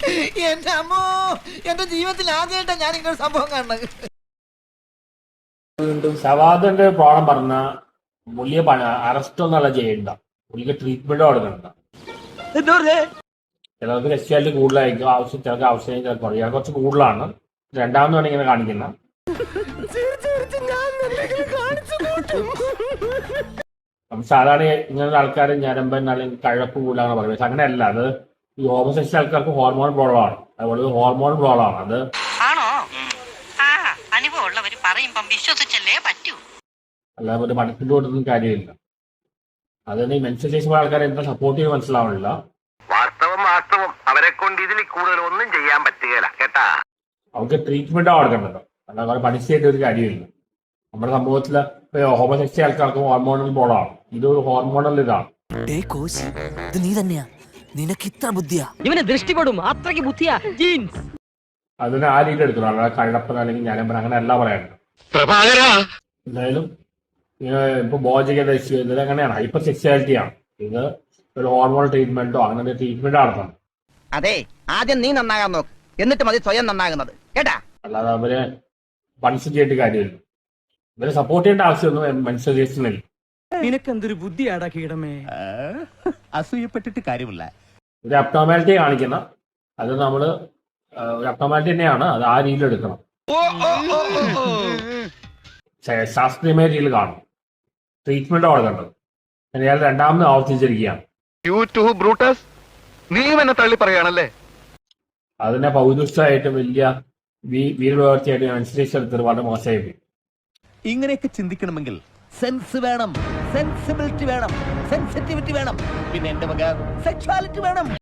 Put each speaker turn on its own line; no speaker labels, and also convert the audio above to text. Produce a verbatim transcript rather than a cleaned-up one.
എന്റെ അമ്മോ, എന്റെ ജീവിതത്തിൽ ആദ്യമായിട്ടാണ് ഞാൻ ഇങ്ങനെ സംഭവം കാണുന്നത്.
സവാദിന്റെ പ്രോബ്ലം പറഞ്ഞ പുള്ളിയെ അറസ്റ്റ് ഒന്നല്ല ചെയ്യണ്ട, പുള്ളിക്ക് ട്രീറ്റ്മെന്റ് കൊടുക്കണ്ട. ചിലർക്ക് സ്പെഷ്യാലിറ്റി കൂടുതലായിരിക്കും, ആവശ്യം ചിലർക്ക് ആവശ്യം ചിലപ്പോൾ ഇയാൾ കുറച്ച് കൂടുതലാണ്. രണ്ടാമത് വേണമെങ്കിൽ ഇങ്ങനെ കാണിക്കുന്ന സാധാരണ ഇങ്ങനത്തെ ആൾക്കാർ ഞരമ്പൻ അല്ലെങ്കിൽ കഴപ്പ് കൂടുതലാണ് പറയുന്നത്. പക്ഷെ അങ്ങനെയല്ല, അത് ഈ ഹോമോസെക്ഷൽ ആൾക്കാർക്ക് ഹോർമോൺ പ്രോബ്ലം ആണ്. അതുപോലെ ഹോർമോൺ പ്രോബ്ലം ആണ് അത്. അല്ലാതെ ഒരു മനസ്സിന്റെ കൊടുത്തൊന്നും കാര്യമില്ല. അതിന് ഈ മെൻസ്ട്രുവേഷൻ ആൾക്കാരെ എന്താ സപ്പോർട്ട് ചെയ്ത് മനസ്സിലാവണില്ല.
വാസ്തവം വാസ്തവം അവരെ കൊണ്ട് ഇതിൽ കൂടുതൽ ഒന്നും ചെയ്യാൻ പറ്റുകയില്ല കേട്ടാ.
അവർക്ക് ട്രീറ്റ്മെന്റ് കൊടുക്കേണ്ടത്, അല്ലാതെ അവർ പണിഷ്മെന്റ് ഒരു കാര്യമില്ല. നമ്മുടെ സമൂഹത്തില് ഹോമോസെക്ഷൽ ആൾക്കാർക്ക് ഹോർമോണൽ പ്രോബ്ലമാണ്. ഇതൊരു ഹോർമോണൽ ഇതാണ്.
നീ തന്നെയാ, നിനക്ക് ഇത്ര ബുദ്ധിയാ,
ഇവനെ ദൃഷ്ടിപ്പെടും അത്രയ്ക്ക് ബുദ്ധിയാ ജീൻസ്.
അതിന് ആ രീതി എടുക്കണം, അല്ലാതെ കഴപ്പൻ അല്ലെങ്കിൽ ഞാനമ്പൻ അങ്ങനെ അല്ല പറയാനുണ്ട്. എന്തായാലും ഇപ്പൊ ബോധകത ഇഷ്യൂ ഇത് അങ്ങനെയാണ്, ഹൈപ്പർ സെക്സ്വാലിറ്റി ആണ്. ഇത് ഒരു ഹോർമോൺ ട്രീറ്റ്മെന്റോ അങ്ങനെ ട്രീറ്റ്മെന്റ് നടത്തണം.
അതെ, ആദ്യം നീ നന്നാകാൻ നോക്ക്, എന്നിട്ട് മതി സ്വയം നന്നാകുന്നത് കേട്ടാ.
അല്ലാതെ അവരെ പണിഷ് ചെയ്യേണ്ട കാര്യമില്ല. ഇവരെ സപ്പോർട്ട് ചെയ്യേണ്ട ആവശ്യമൊന്നും മെൻസ്ട്രുവേഷനില്ല.
നിനക്കെന്തൊരു ബുദ്ധിയാടാ കീടമേ.
അസൂയപ്പെട്ടിട്ട് കാര്യമില്ല.
ഒരു അബ്നോർമാലിറ്റി കാണിക്കുന്ന അത് നമ്മള് ഒരു അബ്നോർമാലിറ്റി തന്നെയാണ്, അത് ആ രീതിയിൽ എടുക്കണം. ശാസ്ത്രീയമായ രീതിയിൽ കാണും, ട്രീറ്റ്മെന്റ് കൊടുക്കേണ്ടത്. അയാൾ രണ്ടാമത് ആവർത്തിച്ചിരിക്കുകയാണ്.
തള്ളി പറയാണല്ലേ.
അതിനെ പൗരുഷമായിട്ട് വലിയ വീരപ്രവർത്തിയായിട്ട് മെൻസ്ട്രുവേഷൻ വളരെ മോശമായി.
ഇങ്ങനെയൊക്കെ ചിന്തിക്കണമെങ്കിൽ സെൻസ് വേണം, സെൻസിബിലിറ്റി വേണം, സെൻസിറ്റിവിറ്റി വേണം, പിന്നെ എന്റെ വക സെക്സ്വാലിറ്റി വേണം.